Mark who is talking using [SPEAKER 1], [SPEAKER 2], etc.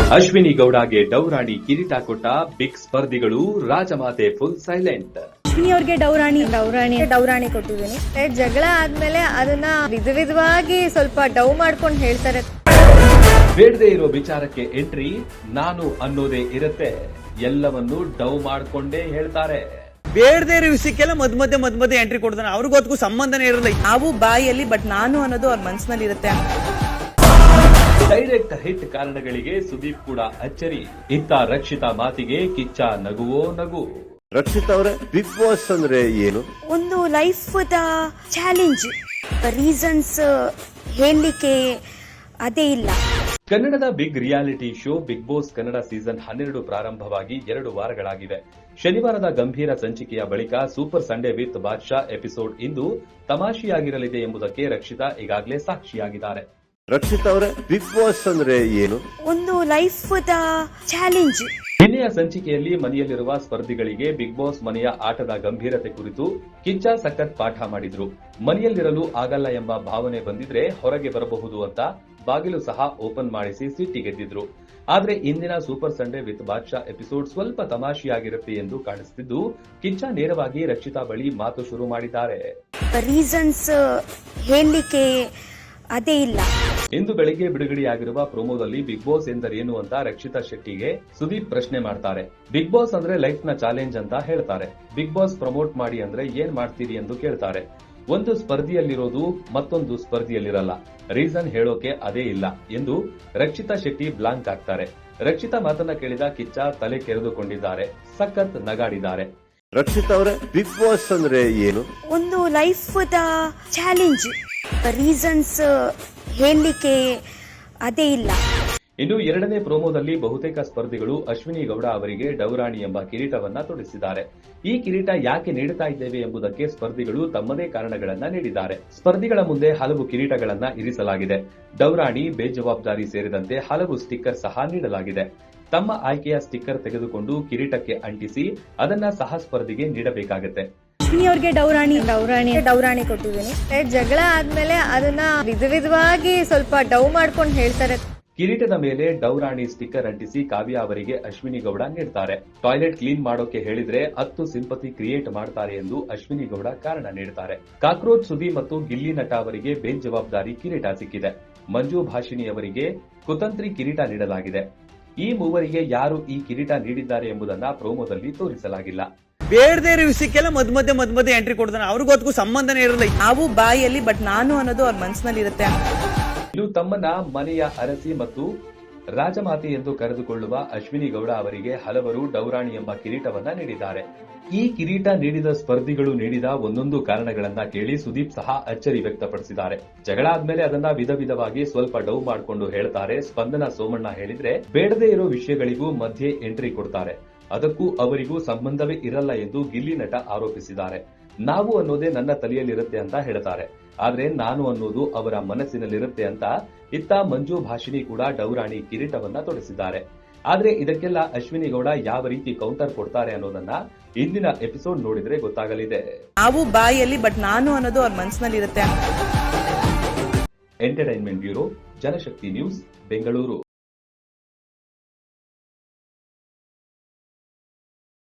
[SPEAKER 1] ಅಶ್ವಿನಿ ಗೌಡಗೆ ಡೌರಾಣಿ ಕಿರೀಟ ಕೊಟ್ಟ ಬಿಗ್ ಸ್ಪರ್ಧಿಗಳು, ರಾಜಮಾತೆ ಫುಲ್ ಸೈಲೆಂಟ್.
[SPEAKER 2] ಅಶ್ವಿನಿ ಅವ್ರಿಗೆ ಡೌರಾಣಿ ಕೊಟ್ಟಿದ್ದೀನಿ. ಜಗಳ ಆದ್ಮೇಲೆ ಅದನ್ನ ವಿಧವಾಗಿ ಸ್ವಲ್ಪ ಡೌ ಮಾಡ್ಕೊಂಡು ಹೇಳ್ತಾರೆ.
[SPEAKER 1] ಬೇಡದೇ ಇರೋ ವಿಚಾರಕ್ಕೆ ಎಂಟ್ರಿ, ನಾನು ಅನ್ನೋದೇ ಇರುತ್ತೆ, ಎಲ್ಲವನ್ನೂ ಡೌ ಮಾಡ್ಕೊಂಡೇ ಹೇಳ್ತಾರೆ.
[SPEAKER 3] ಬೇಡದೇ ಇರೋ ವಿಷಯಕ್ಕೆಲ್ಲ ಮಧ್ಯ ಎಂಟ್ರಿ ಕೊಡ್ತಾನೆ. ಅವ್ರಿಗೊತ್ತಿಗೂ ಸಂಬಂಧನೇ ಇರಲ್ಲ.
[SPEAKER 2] ನಾವು ಬಾಯಲ್ಲಿ, ಬಟ್ ನಾನು ಅನ್ನೋದು ಅವ್ರ ಮನಸ್ಸಿನಲ್ಲಿ ಇರುತ್ತೆ.
[SPEAKER 1] ಡೈರೆಕ್ಟ್ ಹಿಟ್ ಕಾರಣಗಳಿಗೆ ಸುದೀಪ್ ಕೂಡ ಅಚ್ಚರಿ. ಇತ್ತ ರಕ್ಷಿತಾ ಮಾತಿಗೆ ಕಿಚ್ಚ ನಗುವೋ ನಗು.
[SPEAKER 4] ರಕ್ಷಿತಾ ಅವರೇ, ಬಿಗ್ ಬಾಸ್ ಅಂದ್ರೆ ಏನು?
[SPEAKER 2] ಒಂದು ಲೈಫ್ ಚಾಲೆಂಜ್, ರೀಸನ್ಸ್ ಹೇಳಲಿಕ್ಕೆ ಅದೇ ಇಲ್ಲ.
[SPEAKER 1] ಕನ್ನಡದ big reality show Bigg Boss Kannada season 12 ಪ್ರಾರಂಭವಾಗಿ 2 ವಾರಗಳಾಗಿವೆ. ಶನಿವಾರದ ಗಂಭೀರ ಸಂಚಿಕೆಯ ಬಳಿಕ super Sunday with Badshah episode ಇಂದು ತಮಾಷೆಯಾಗಿರಲಿದೆ ಎಂಬುದಕ್ಕೆ ರಕ್ಷಿತಾ ಈಗಾಗಲೇ ಸಾಕ್ಷಿಯಾಗಿದ್ದಾರೆ.
[SPEAKER 4] ರಕ್ಷಿತಾ ಅವರೇ, ಬಿಗ್ ಬಾಸ್ ಅಂದ್ರೆ ಏನು?
[SPEAKER 2] ಒಂದು ಲೈಫ್ ಚಾಲೆಂಜ್.
[SPEAKER 1] ನಿನ್ನೆಯ ಸಂಚಿಕೆಯಲ್ಲಿ ಮನೆಯಲ್ಲಿರುವ ಸ್ಪರ್ಧಿಗಳಿಗೆ ಬಿಗ್ ಬಾಸ್ ಮನೆಯ ಆಟದ ಗಂಭೀರತೆ ಕುರಿತು ಕಿಚ್ಚ ಸಖತ್ ಪಾಠ ಮಾಡಿದ್ರು. ಮನೆಯಲ್ಲಿರಲು ಆಗಲ್ಲ ಎಂಬ ಭಾವನೆ ಬಂದಿದ್ರೆ ಹೊರಗೆ ಬರಬಹುದು ಅಂತ ಬಾಗಿಲು ಸಹ ಓಪನ್ ಮಾಡಿಸಿ ಸಿಟ್ಟಿಗೆದ್ದಿದ್ರು. ಆದ್ರೆ ಇಂದಿನ super Sunday with Badshah episode ಸ್ವಲ್ಪ ತಮಾಷೆಯಾಗಿರುತ್ತೆ ಎಂದು ಕಾಣಿಸುತ್ತಿದ್ದು, ಕಿಚ್ಚ ನೇರವಾಗಿ ರಕ್ಷಿತಾ ಬಳಿ ಮಾತು ಶುರು ಮಾಡಿದ್ದಾರೆ.
[SPEAKER 2] ರೀಸನ್ಸ್ ಹೇಳಲಿಕ್ಕೆ ಅದೇ ಇಲ್ಲ.
[SPEAKER 1] ಇಂದು ಬೆಳಿಗ್ಗೆ ಬಿಡುಗಡೆಯಾಗಿರುವ ಪ್ರೋಮೋದಲ್ಲಿ ಬಿಗ್ ಬಾಸ್ ಎಂದರೇನು ಅಂತ ರಕ್ಷಿತಾ ಶೆಟ್ಟಿಗೆ ಸುದೀಪ್ ಪ್ರಶ್ನೆ ಮಾಡ್ತಾರೆ. ಬಿಗ್ ಬಾಸ್ ಅಂದ್ರೆ ಲೈಫ್ ನ ಚಾಲೆಂಜ್ ಅಂತ ಹೇಳ್ತಾರೆ. ಬಿಗ್ ಬಾಸ್ ಪ್ರಮೋಟ್ ಮಾಡಿ ಅಂದ್ರೆ ಏನ್ ಮಾಡ್ತೀರಿ ಎಂದು ಕೇಳ್ತಾರೆ. ಒಂದು ಸ್ಪರ್ಧಿಯಲ್ಲಿರೋದು ಮತ್ತೊಂದು ಸ್ಪರ್ಧಿಯಲ್ಲಿರಲ್ಲ, ರೀಸನ್ ಹೇಳೋಕೆ ಅದೇ ಇಲ್ಲ ಎಂದು ರಕ್ಷಿತಾ ಶೆಟ್ಟಿ ಬ್ಲಾಂಕ್ ಆಗ್ತಾರೆ. ರಕ್ಷಿತಾ ಮಾತನ್ನ ಕೇಳಿದ ಕಿಚ್ಚ ತಲೆ ಕೆರೆದುಕೊಂಡಿದ್ದಾರೆ, ಸಖತ್ ನಗಾಡಿದ್ದಾರೆ.
[SPEAKER 4] ರಕ್ಷಿತಾ ಅವರೇ, ಬಿಗ್ ಬಾಸ್ ಅಂದ್ರೆ ಏನು?
[SPEAKER 2] ಒಂದು ಲೈಫ್ ಚಾಲೆಂಜ್, ರೀಸನ್ಸ್ ಹೇಳಲಿಕ್ಕೆ ಅದೇ ಇಲ್ಲ.
[SPEAKER 1] ಇನ್ನು ಎರಡನೇ ಪ್ರೋಮೋದಲ್ಲಿ ಬಹುತೇಕ ಸ್ಪರ್ಧಿಗಳು ಅಶ್ವಿನಿ ಗೌಡ ಅವರಿಗೆ ಡೌರಾಣಿ ಎಂಬ ಕಿರೀಟವನ್ನ ತೊಡಿಸಿದ್ದಾರೆ. ಈ ಕಿರೀಟ ಯಾಕೆ ನೀಡುತ್ತಾ ಇದ್ದೇವೆ ಎಂಬುದಕ್ಕೆ ಸ್ಪರ್ಧಿಗಳು ತಮ್ಮದೇ ಕಾರಣಗಳನ್ನ ನೀಡಿದ್ದಾರೆ. ಸ್ಪರ್ಧಿಗಳ ಮುಂದೆ ಹಲವು ಕಿರೀಟಗಳನ್ನ ಇರಿಸಲಾಗಿದೆ. ಡೌರಾಣಿ, ಬೇಜವಾಬ್ದಾರಿ ಸೇರಿದಂತೆ ಹಲವು ಸ್ಟಿಕ್ಕರ್ ಸಹ ನೀಡಲಾಗಿದೆ. ತಮ್ಮ ಆಯ್ಕೆಯ ಸ್ಟಿಕ್ಕರ್ ತೆಗೆದುಕೊಂಡು ಕಿರೀಟಕ್ಕೆ ಅಂಟಿಸಿ ಅದನ್ನ ಸಹ ಸ್ಪರ್ಧಿಗೆ ನೀಡಬೇಕಾಗುತ್ತೆ.
[SPEAKER 2] ಅಶ್ವಿನಿ ಅವ್ರಿಗೆ ಡೌರಾಣಿ ಕೊಟ್ಟಿದ್ದೀನಿ. ಜಗಳ ಆದ್ಮೇಲೆ ಅದನ್ನ ವಿಧವಾಗಿ ಸ್ವಲ್ಪ ಡೌ ಮಾಡ್ಕೊಂಡು ಹೇಳ್ತಾರೆ.
[SPEAKER 1] ಕಿರೀಟದ ಮೇಲೆ ಡೌರಾಣಿ ಸ್ಟಿಕ್ಕರ್ ಅಂಟಿಸಿ ಕಾವ್ಯ ಅವರಿಗೆ ಅಶ್ವಿನಿ ಗೌಡ ನೀಡ್ತಾರೆ. ಟಾಯ್ಲೆಟ್ ಕ್ಲೀನ್ ಮಾಡೋಕೆ ಹೇಳಿದ್ರೆ 10 ಸಿಂಪತಿ ಕ್ರಿಯೇಟ್ ಮಾಡ್ತಾರೆ ಎಂದು ಅಶ್ವಿನಿ ಗೌಡ ಕಾರಣ ನೀಡುತ್ತಾರೆ. ಕಾಕ್ರೋಚ್ ಸುದಿ ಮತ್ತು ಗಿಲ್ಲಿ ನಟ ಅವರಿಗೆ ಬೇಜವಾಬ್ದಾರಿ ಕಿರೀಟ ಸಿಕ್ಕಿದೆ. ಮಂಜು ಭಾಷಿಣಿ ಅವರಿಗೆ ಕುತಂತ್ರಿ ಕಿರೀಟ ನೀಡಲಾಗಿದೆ. ಈ ಮೂವರಿಗೆ ಯಾರು ಈ ಕಿರೀಟ ನೀಡಿದ್ದಾರೆ ಎಂಬುದನ್ನ ಪ್ರೋಮೋದಲ್ಲಿ ತೋರಿಸಲಾಗಿಲ್ಲ.
[SPEAKER 3] ಬೇಡದೇ ಇರೋ ವಿಷಯಕ್ಕೆಲ್ಲ ಮಧ್ಯ ಎಂಟ್ರಿ ಕೊಡ್ತಾನೆ. ಅವ್ರಿಗೊತ್ತಿಗೂ ಸಂಬಂಧನೇ ಇರಲ್ಲ.
[SPEAKER 2] ನಾವು ಬಾಯಲ್ಲಿ, ಬಟ್ ನಾನು ಅನ್ನೋದು ಅವ್ರ ಮನಸ್ಸಿನಲ್ಲಿ ಇರುತ್ತೆ.
[SPEAKER 1] ಇನ್ನು ತಮ್ಮನ್ನ ಮನೆಯ ಅರಸಿ ಮತ್ತು ರಾಜಮಾತೆ ಎಂದು ಕರೆದುಕೊಳ್ಳುವ ಅಶ್ವಿನಿ ಗೌಡ ಅವರಿಗೆ ಹಲವರು ಡೌರಾಣಿ ಎಂಬ ಕಿರೀಟವನ್ನ ನೀಡಿದ್ದಾರೆ. ಈ ಕಿರೀಟ ನೀಡಿದ ಸ್ಪರ್ಧಿಗಳು ನೀಡಿದ ಒಂದೊಂದು ಕಾರಣಗಳನ್ನ ಕೇಳಿ ಸುದೀಪ್ ಸಹ ಅಚ್ಚರಿ ವ್ಯಕ್ತಪಡಿಸಿದ್ದಾರೆ. ಜಗಳ ಆದ್ಮೇಲೆ ಅದನ್ನ ವಿಧವಾಗಿ ಸ್ವಲ್ಪ ಡೌ ಮಾಡಿಕೊಂಡು ಹೇಳ್ತಾರೆ. ಸ್ಪಂದನ ಸೋಮಣ್ಣ ಹೇಳಿದ್ರೆ ಬೇಡದೇ ಇರೋ ವಿಷಯಗಳಿಗೂ ಮಧ್ಯೆ ಎಂಟ್ರಿ ಕೊಡ್ತಾರೆ, ಅದಕ್ಕೂ ಅವರಿಗೂ ಸಂಬಂಧವೇ ಇರಲ್ಲ ಎಂದು ಗಿಲ್ಲಿ ನಟ ಆರೋಪಿಸಿದ್ದಾರೆ. ನಾವು ಅನ್ನೋದೇ ನನ್ನ ತಲೆಯಲ್ಲಿರುತ್ತೆ ಅಂತ ಹೇಳ್ತಾರೆ, ಆದ್ರೆ ನಾನು ಅನ್ನೋದು ಅವರ ಮನಸ್ಸಿನಲ್ಲಿರುತ್ತೆ ಅಂತ ಇತ್ತ ಮಂಜು ಭಾಷಿಣಿ ಕೂಡ ಡೌರಾಣಿ ಕಿರೀಟವನ್ನ ತೊಡಿಸಿದ್ದಾರೆ. ಆದ್ರೆ ಇದಕ್ಕೆಲ್ಲ ಅಶ್ವಿನಿ ಗೌಡ ಯಾವ ರೀತಿ ಕೌಂಟರ್ ಕೊಡ್ತಾರೆ ಅನ್ನೋದನ್ನ ಇಂದಿನ ಎಪಿಸೋಡ್ ನೋಡಿದ್ರೆ ಗೊತ್ತಾಗಲಿದೆ.
[SPEAKER 2] ನಾವು ಬಾಯಲ್ಲಿ, ಬಟ್ ನಾನು ಅನ್ನೋದು ಅವ್ರ ಮನಸ್ಸಿನಲ್ಲಿ ಇರುತ್ತೆ.
[SPEAKER 1] Entertainment bureau, Janashakti news, Bengaluru.